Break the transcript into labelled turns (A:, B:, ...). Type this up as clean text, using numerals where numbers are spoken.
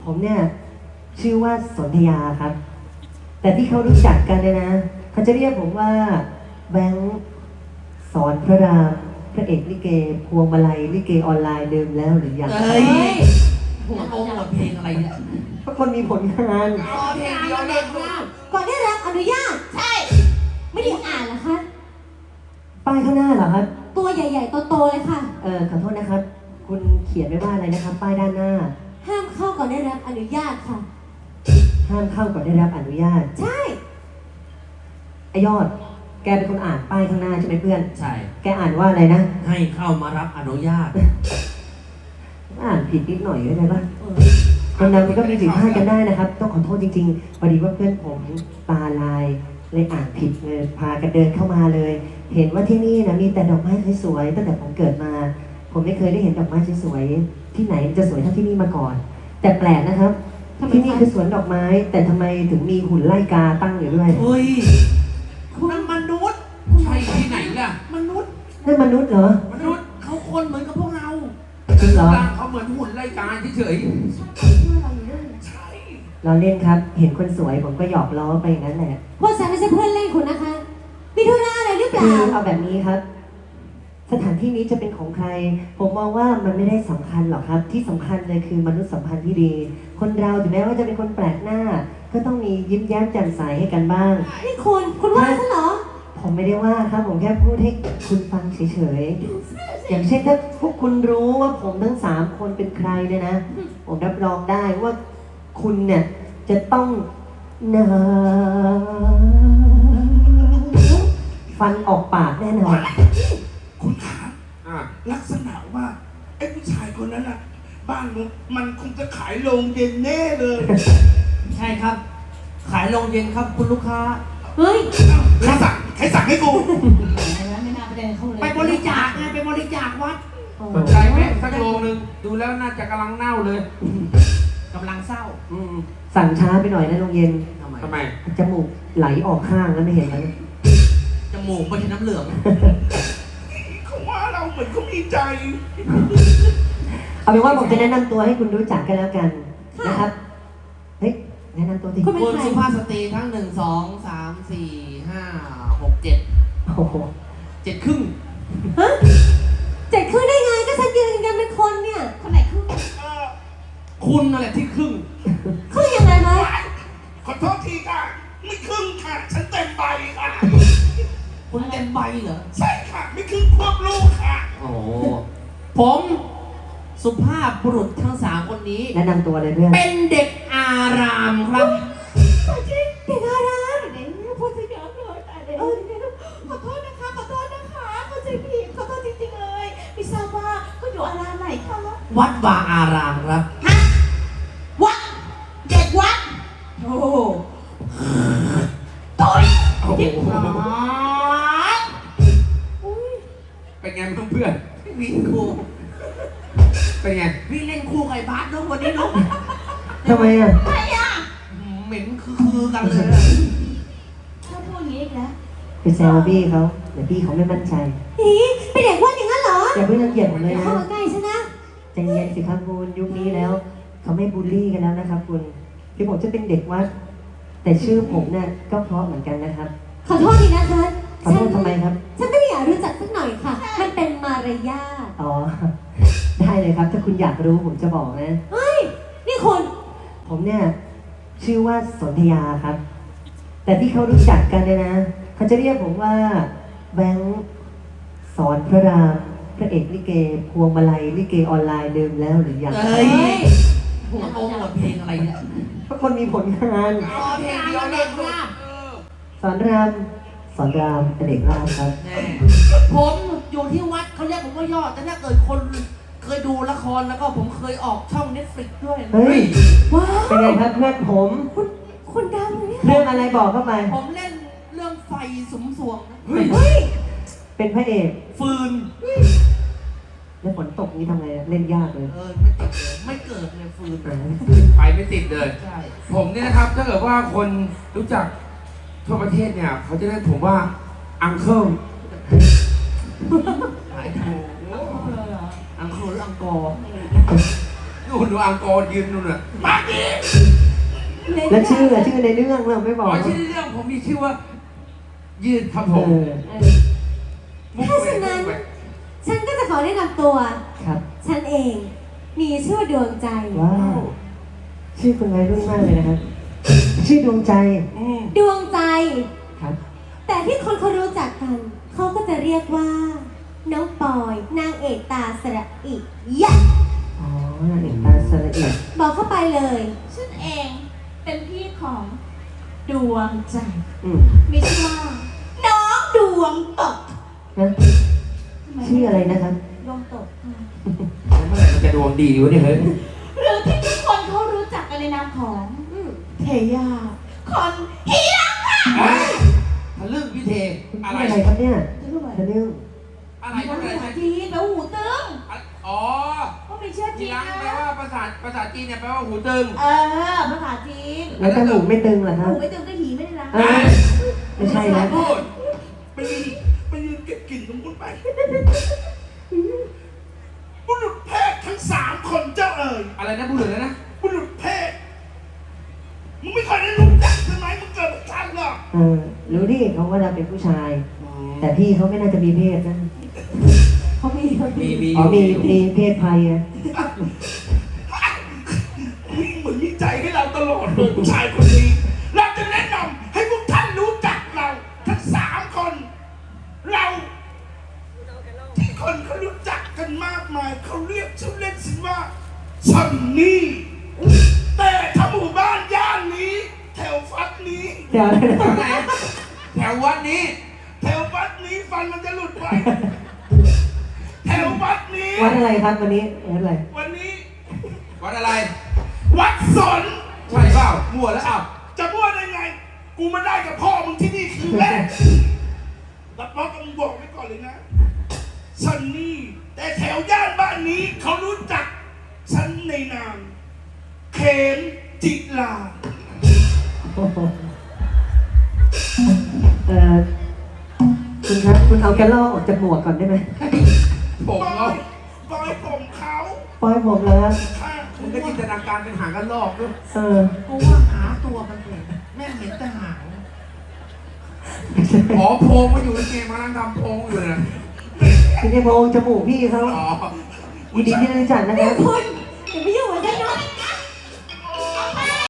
A: ผมเนี่ยชื่อว่าสนธยาครับ แต่ที่เขารู้จักกันเนี่ยนะเขาจะเรียกผมว่าแบงค์สอนพระรามพระเอกลิเกพวงมาลัยลิเกออนไลน์เดิมแล้วหรือยัง
B: เฮ้ยหัวโองหมดเพลงอะไรเนี่ย
A: เพราะคนมีผลงาน
B: อ๋อเพลงเดียวเด็กมาก
C: ก่อนได้รับอนุญาต ใช่ ไม่ได้อ่านเหรอคะ
A: ป้ายข้างหน้าเหรอครับ
C: ตัวใหญ่ๆโตๆเลยค่ะ
A: ขอโทษนะครับ คุณเขียนไว้ว่าอะไรนะครับ ป้ายด้านหน้า
C: ห้ามเข้าก่อนได้รับอนุญาตค่ะ
A: ห้ามเข้าก่อนได้รับอนุญาต
C: ใช่
A: ไอยอด แกเป็นคนอ่านป้ายข้างหน้าใช่ไหมเพื่อน
B: ใช่
A: แกอ่านว่าอะไรนะ
B: ให้เข้ามารับอนุญาต
A: อ่านผิดนิดหน่อยก็ได้ปะคนเรามันก็มีผิดพลาดกันได้นะครับ ต้องขอโทษจริงๆพอดีว่าเพื่อนผมตาลายเลยอ่านผิดเลยพากันเดินเข้ามาเลย เห็นว่าที่นี่นะมีแต่ดอกไม้สวยๆตั้งแต่ผมเกิดมา ผมไม่เคยได้เห็นดอกไม้สวยๆที่ไหนจะสวยเท่าที่นี่มาก่อน แต่แปลกนะครับ ที่นี่คือสวนดอกไม้ แต่ทำไมถึงมีหุ่นไล่กาตั้งอยู่ด้วย
B: เฮ้ยนั่นมนุษย์ใช่ที่ไหนล่ะ มนุษย์
A: นั่นมนุษย์เหรอ
B: มนุษย์เขาคนเหมือนกับพวกเรา
A: จริงเหรอ
B: เขาเหมือนหุ่นไล่กาเฉย
A: เราเล่นครับ เห็นคนสวยผมก็หยอกล้อไปอย่างนั้นแหละ
C: พวกฉันไม่ใช่เพื่อนเล่นคุณนะคะ มีธุระอะไรหรือเป
A: คื
C: ล่า
A: อเอาแบบนี้ครับ สถานที่นี้จะเป็นของใคร ผมมองว่ามันไม่ได้สำคัญหรอกครับ ที่สำคัญเลยคือมนุษยสัมพันธ์ที่ดี คนเราถึงแม้ว่าจะเป็นคนแปลกหน้า ก็ต้องมียิ้มแย้มแจ่มใสให้กันบ้าง
C: นี่คุณว่าฉันเหรอ
A: ผมไม่ได้ว่าครับ ผมแค่พูดให้คุณฟังเฉยๆ อย่างเช่นถ้าพวกคุณรู้ว่าผมทั้ง3 คนเป็นใครเนี่ยนะ ผมรับรองได้ว่าคุณเนี่ยจะต้องนาฟันออกปากแน่นอน
D: คุณขา
B: ๆอ่ะ
D: ลักษณะว่าไอ้ผู้ชายคนนั้นน่ะ บ้านมันคงจะขายโรงเย็นแน่เลย
B: ใช่ครับ ขายโรงเย็นครับคุณลูกค้า
C: เฮ้ย
D: ใครสั่งให้กู
C: ไม่น่าไปเดินเข้าเลย
B: ไปบริจาคไงไปบริจาควัด
E: สนใจไหมสักโลนึงดูแล้วน่าจะกำลังเน่าเลย
B: กำลังเศร้า
A: สั่งช้าไปหน่อยนะโรงเย็น
E: ทำไม
A: จมูกไหลออกข้างแล้วไม่เห็นเลย
B: จมูกไม่ใช่น้ำเหลือง
D: เขาว่าเราเหมือนเขามีใจ
A: เอาเป็นว่าผมจะแนะนำตัวให้คุณรู้จักกันแล้วกันนะครับ เฮ้ยแนะนำตัวที
C: คุณเป็น
B: คุณ
C: ใคร
B: สุภาพสตรีทั้ง1 2 3 4 5 6 7
A: โอ้โห
B: 7 ครึ่ง
C: ฮะเจ็ดครึ่งได้ไงก็ฉันยืนกันเป็นคนเนี่ย คนไหนครึ่ง
B: คุณนั่นแหละที่ครึ่ง
C: ครึ่งยังไงคะ
D: ขอโทษทีค่ะ ไม่ครึ่งค่ะ ฉันเต็มใบค่ะ
B: คุณเต็มใบเหรอ
D: ใช่ค่ะ ไม่ครึ่งควบลูกค่ะ
B: โอ้โหผมสุภาพบุรุษทั้ง3 คนนี้
A: แนะนำตัวเลยเพื่อน
B: เป็นเด็กอารามครับ
C: เด็กอารามไหนพูดจะเยอะเลยแต่เดี๋ยวขอโทษนะคะเข้าใจผิดขอโทษจริงๆเลยไม่ทราบว่าก็อยู่อารามไหนคะ
B: วัดวาอารามครับ
C: วัดเด็กวัดโอ้โห
B: ต่อย
E: โอ้โห
C: อุ้ย
E: เป็นไงเพื่อน
B: วิ่งคู่
E: ๆเป็นไง
B: วิ่งเล่นคู่กับไอ้บาสเนาะวันนี้เนาะ
A: ทำไมอ่ะ
B: เหม็นคือกันเลยอะ
C: ถ้าพูดอย่างนี้อีกแล้ว
A: ไปแซวพี่เขาเดี๋ยวพี่เขาไม่มั่นใจ
C: อีเป็นเด็กวัดอย่างนั้นเหรอ
A: อย่าเพิ่งรังเกียจผมเลย
C: อย่า
A: นะ
C: เข้ามาใกล้ฉันนะ
A: ใจเย็นสิครับคุณยุคนี้แล้ว เขาไม่บูลลี่กันแล้วนะครับ คุณที่ผมจะเป็นเด็กวัด แต่ชื่อผมเนี่ยก็เพราะเหมือนกันนะครับ
C: ขอโทษทีนะคะ
A: ขอโทษทำไมครับ
C: ฉันไม่ได้อยากรู้จักสักหน่อยค่ะ มันเป็นมารยาท
A: อ๋อ ได้เลยครับ ถ้าคุณอยากรู้ผมจะบอกนะ
C: เฮ้ย นี่คุณ
A: ผมเนี่ยชื่อว่าสนธยาครับ แต่ที่เขารู้จักกันเนี่ยนะเขาจะเรียกผมว่าแบงค์สอนพระรามพระเอกลิเกพวงมาลัยลิเกออนไลน์เดิมแล้วหรือยัง
B: เฮ้ยหัวโองหมดเพลงอะไรเนี่ย
A: เพราะคนมีผลงาน
B: อ๋อเพลงเดียวเด็กมาก
A: สอนรามสอนรามเป็นเด็กรามครับ
B: แน่ผมอยู่ที่วัดเขาเรียกผมว่ายอด แต่ถ้าเกิดคนเคยดูละครแล้วก็ผมเคยออกช่อง Netflix ด้วยนะ
A: เฮ้ย
C: ว้าว
A: เป็นไงครับเพื่อนผม
C: คุณดังเลยเนี่ย
A: เรื่องอะไรบอกเข้าไป
B: ผมเล่นเรื่องไฟสมสวงนะ
C: เฮ้ย
A: เป็นพระเอก
B: ฟืน
A: แล้วฝนตกนี้ทำไงอะเล่นยากเลย
B: ไม่ติดเลย ไม่เกิดเลยฟืน
E: ไปไม่ติดเลย
B: ใช่
E: ผมเนี่ยนะครับ ถ้าเกิดว่าคนรู้จักทั่วประเทศเนี่ย เขาจะเรียกผมว่าอังเคิล
B: หายถูกอังคูหรืออังกอร์
E: นู่นดูอังกอร์ยืนนู่นน่ะ
D: มาดิ
A: แล้วชื่อในเรื่องเราไม่บ
E: อ๋
A: อก
E: อชื่อเรื่องผมมีชื่อว่า ยืนครับผ
A: เอ
E: ม
A: อ
E: มุก
C: ถ้า
E: เว
C: ฉะ
E: มุ
C: นั้น
E: กเว
C: ฉันก็จะขอแนะนำตัว
A: ครับ
C: ฉันเอง มีชื่อว่าดวงใจ
A: ว้าวชื่อคุณวัยรุ่นมากเลยนะครับ ชื่อดวงใจ
E: อืม
C: ดวงใจ
A: ครับ
C: แต่ที่คนเขารู้จักกัน เขาก็จะเรียกว่า น้องปอย นางเอกตาสระอิยะ
A: อ๋อนางเอกตาสละเอียด
C: บอกเข้าไปเลย
F: ฉันเองเป็นพี่ของดวงใจ
A: อืม
F: มีชื่อว่า
C: น้องดวงตก
A: นะชื่ออะไรนะครับ
C: ดวงตกค่ะ
E: แล้วเมื่อไหร่มันจะดวงดีวะเนี่ยเฮ้ย
F: หรือที่ทุกคนเขารู้จักกันในนามของ เทยาคนฮีรักค่ะ
E: เฮ้ยทะลึ่งพี่เท อะไร
A: อะไรครับเนี่ย
C: จะรู้ไหม
A: ทะลึ่ง
E: อะไร
C: ภา
E: อะไร
C: ษาจีนแปลว่าหูตึง
E: อ๋อ
C: ก็มีเชื่อ
E: ที
C: จีน
E: หลังแปล
C: นะ
E: ว่าภาษาจีนเนี่ยแปลว่าหูตึง
C: ภาษาจีน
A: แล้วจมูกไม่ตึงเหรอครับ
C: หูไม่ตึงก็หีไม่ได้นะ
A: เออไม่ใช่นะ
E: พูด
D: ไปยืนเก็บกลิ่นตรงนู้นไปบุรุษเพศทั้ง3 คนเจ้าเอ๋ย
E: อะไรนะพูดเลยนะ
D: บุรุษเพศมึงไม่เคยได้รู้จักใช่ไหมมึงเกิดไม่ทันหรอก
A: เออรู้ดิเขาว่าเราเป็นผู้ชาย แต่พี่เขาไม่น่าจะมีเพศนะ
C: เขามีเขา
E: มี
C: มี
A: อ๋อมีเพศภัยอะ
D: มึงเหมือนมีใจให้เราตลอดเลยผู้ชายคนนี้ เราจะแนะนำให้พวกท่านรู้จักเราทั้ง3 คน เราที่คนเขารู้จักกันมากมายเขาเรียกชื่อเล่นสิว่าซันนี่ แต่ถ้าหมู่บ้านย่านนี้ แถวฟัดนี้
A: เดี๋ยว
E: แถวไหนแถววัดนี้
D: แถววัดนี้ฟันมันจะหลุดไว้ แถววัดนี้
A: วัดอะไรครับวันนี้วัดอะไร
D: วันนี้
E: วัดอะไร
D: วัดสน
E: ใช่เปล่ามั่วแล้วอ้าว
D: จะมั่วได้ไง กูมาได้กับพ่อมึงที่นี่คืนแรกรับรองกับมึงบอกไว้ก่อนเลยนะซันนี่ แต่แถวย่านบ้านนี้เขารู้จักฉันในนามเขมจิลา
A: โอ้โหคุณครับคุณเอาแกลลอกออกจากหมวกก่อนได้ไหม
E: ผม
D: บอ
E: เนาะ
D: ยบอยผมเขา
A: ปล่อยผมแล้วครับ
D: ค่ะ
E: มึงก็จินตนาการเป็นหางกันลอกด้วย
A: เออ
B: กูว่าหาตัวมันเองแม่งเห็นแต่หาง
E: อ๋อโพงมาอยู่ในเกมมานั่งทำโพงอยู่นะ
A: ไม่ใช่พระองค์จมูกพี่เขา
E: อ๋อ
A: ยินดีที่ได้รู้จักนะค
C: นี่
A: รับ
C: คุณอย่าไปยุ่ง